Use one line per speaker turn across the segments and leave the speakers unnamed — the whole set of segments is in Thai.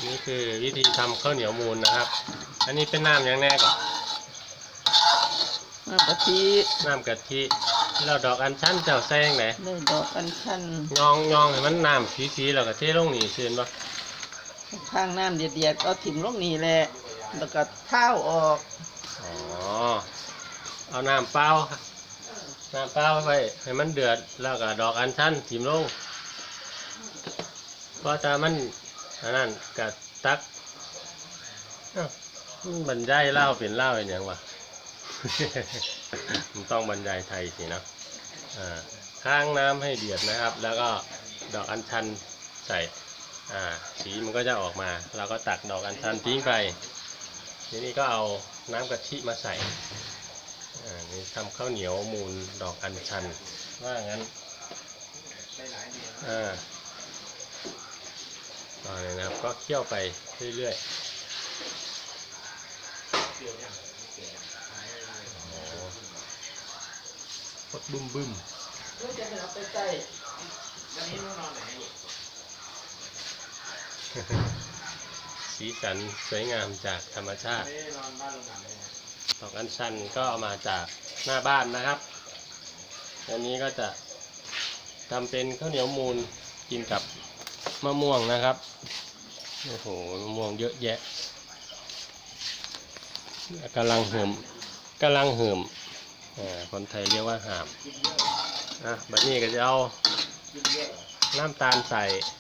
นี่คือวิธีทำข้าวเหนียวมูนนะครับอันนี้เป็นน้ำอย่างแน่ก่อน
น้ำกะทิ
แล้วดอกอัญชันเจ้าแซงไหน
ได้ดอกอัญชัน
ยองให้มันน้ำสีแล้วก็เทลงนี่เชื่อปะ
ข้างน้ำเดียดๆเอาถิ่มลงนี่แหละแล้วก็เท้าออก
อ๋อเอาน้ำเปล่าไปให้มันเดือดแล้วก็ดอกอัญชันถิ่มลงเพราะถ้ามันนั่นก็ตักบรรยายเล่าเป็นเล่าอย่างวะ มันต้องบรรยายไทยสินะข้างน้ำให้เดือดนะครับแล้วก็ดอกอัญชันใส่สีมันก็จะออกมาเราก็ตักดอกอัญชันทิ้งไปทีนี้ก็เอาน้ำกะทิมาใส่นี่ทำข้าวเหนียวมูนดอกอัญชันว่างั้นต่อเลยนะครับก็เคี่ยวไปเรื่อยๆพดบึ้มสีสันสวยงามจากธรรมชาติดอกอัญชันก็เอามาจากหน้าบ้านนะครับอันนี้ก็จะทำเป็นข้าวเหนียวมูนกินกับมะม่วงนะครับโอ้โหมะม่วงเยอะแยะกำลังเหิมคนไทยเรียกว่าหามบัดนี้ก็จะเอาน้ำตาลใส่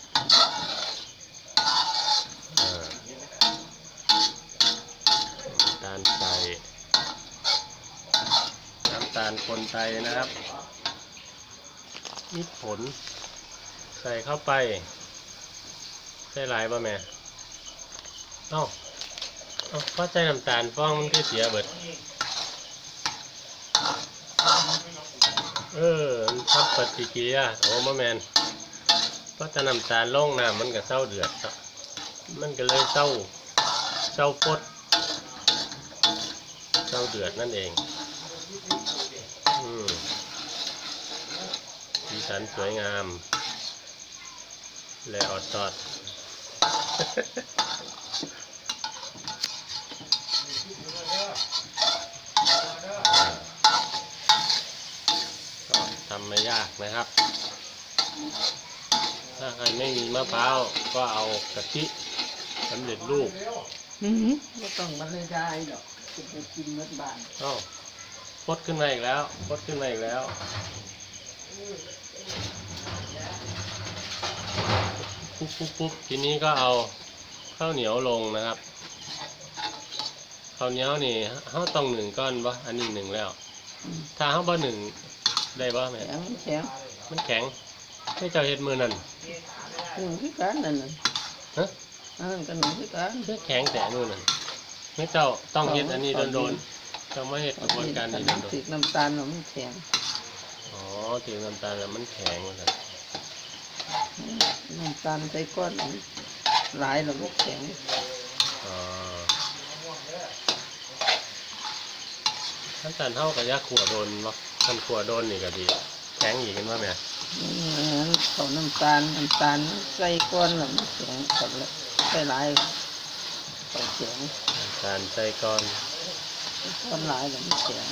น้ำตาลคนไทยนะครับมิตรผลใส่เข้าไปใส่หลายป่ะแม่เพราะใส่น้ำตาลฟองมันก็เสียเบิดมันทับปฏิกิริยามะแมนเพราะถ้าน้ำตาลลงน้ำมันก็เศร้าเดือดมันก็เลยเศร้าปดเศร้าเดือดนั่นเองสีสันสวยงามและอดตอดก็ทำไม่ยากนะครับถ้าใครไม่มีมะพร้าวก็เอากะทิสำเร็จรูป
ไม่ต้องบรรยายหรอกจะไปกินเมื่อบ่าย
พดขึ้นมาอีกแล้วปุ๊บทีนี้ก็เอาข้าวเหนียวลงนะครับข้าวเหนียวนี่เขาต้อง1 ก้อนปะอันนี้1แล้วถ้าเขาบ่1ได้ปะแม่มันแข็งให้เจ้าเห็ดมือนั่น
คือการนั่นกันคือการ
แข็งแต่นู่นนั่นไม่เจ้าต้องเห็ดอันนี้โดนเจ้าไม่เห็ดกระบวนการนี้โดน
ติดน้ำตาลมันแข็ง
ติดน้ำตาลแล้วมันแข็งเลย
น้ำตาลใส่ก้อนหลายแล้วมันแข็ง
น้ำตาลเท่ากับยาขั่วโดนวะทำขั่วโดนนี่ก็ดีแข็งอีกกันว่าแม่
เขาน้ำตาลใส่ก้อนแล้วมันแข็งกับใส่หลายเขาแข็ง
น้ำตาลใส่ก้อน
หลายแล้วมันแข็ง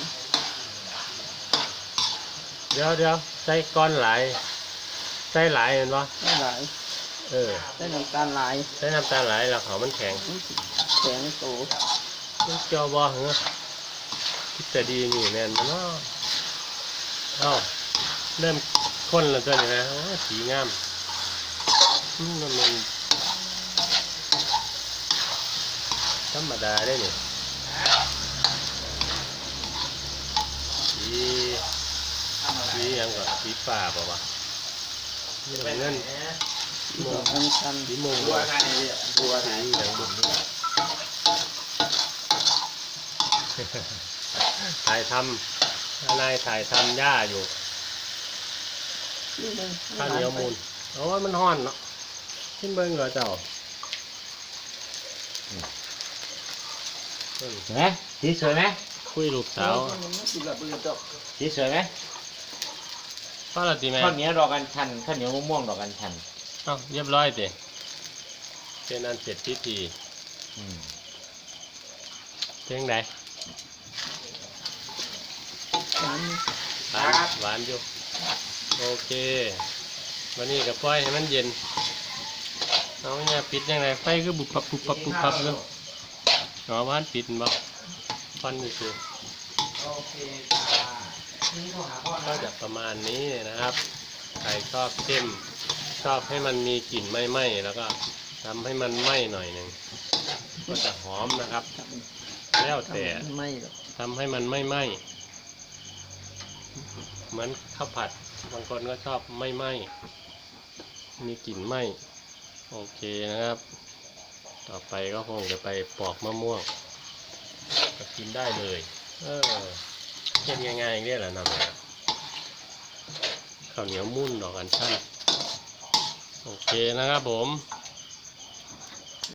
เดี๋ยวใส่ก้อนหลายเห็นปะ
ใส่หลายใส่น้ำตาลหลาย
แล้วเขามันแข็ง
โต
มันเจียวบ่เหรอคิดแต่ดีนี่แม่นมันเริ่มข้นแล้วตัวนี้นะสีงามมันธรรมดาได้เนี่ยสียังก่อนสีฟ้าเปล่าวะนี่เงินสีม่วงบัวสีอย่างบุญถ่ายทำหญ้าอยู่ข้าวเหนียวมูนมันห้อนเนาะขึ้นเบิ้งเหรอเจ้า
ไหมสีสวยไหม
คุยลูกสาว
สีสวยไหม
ข้าวละตีแม่
ข้าวเหนียวดอกอัญชันข้าวเหนียวมะม่วงดอกอัญชัน
เรียบร้อยสิเป็นอันเสร็จพิธี
อืม
เพียงใด
หวาน
หวานอยู่โอเควันนี้กับปล่อยให้มันเย็นเอาเนี่ยปิดยังไงไฟก็บุบปับบุบปับบุบปับเลยอ๋อบ้านปิดบ่ฟันนี่คือ
โอเคจ้านี่โทรหาพ่อ
ก็
นะ
จะประมาณนี้นะครับใครชอบเข้มชอบให้มันมีกลิ่นไหม้ๆแล้วก็ทำให้มันไหม้หน่อยหนึ่งก็จะหอมนะครับ แล้วแต่
ไม่หรอก
ทำให้มันไม่ไหม้เหมือนข้าวผัดบางคนก็ชอบไม่ไหม้มีกลิ่นไหม้โอเคนะครับ ต่อไปก็คงจะไปปอกมะม่วงก็กินได้เลยเช่นง่ายๆอย่างนี้แหละนำข้าวเหนียวมุ่นดอกอัญชันโอเคนะครับผม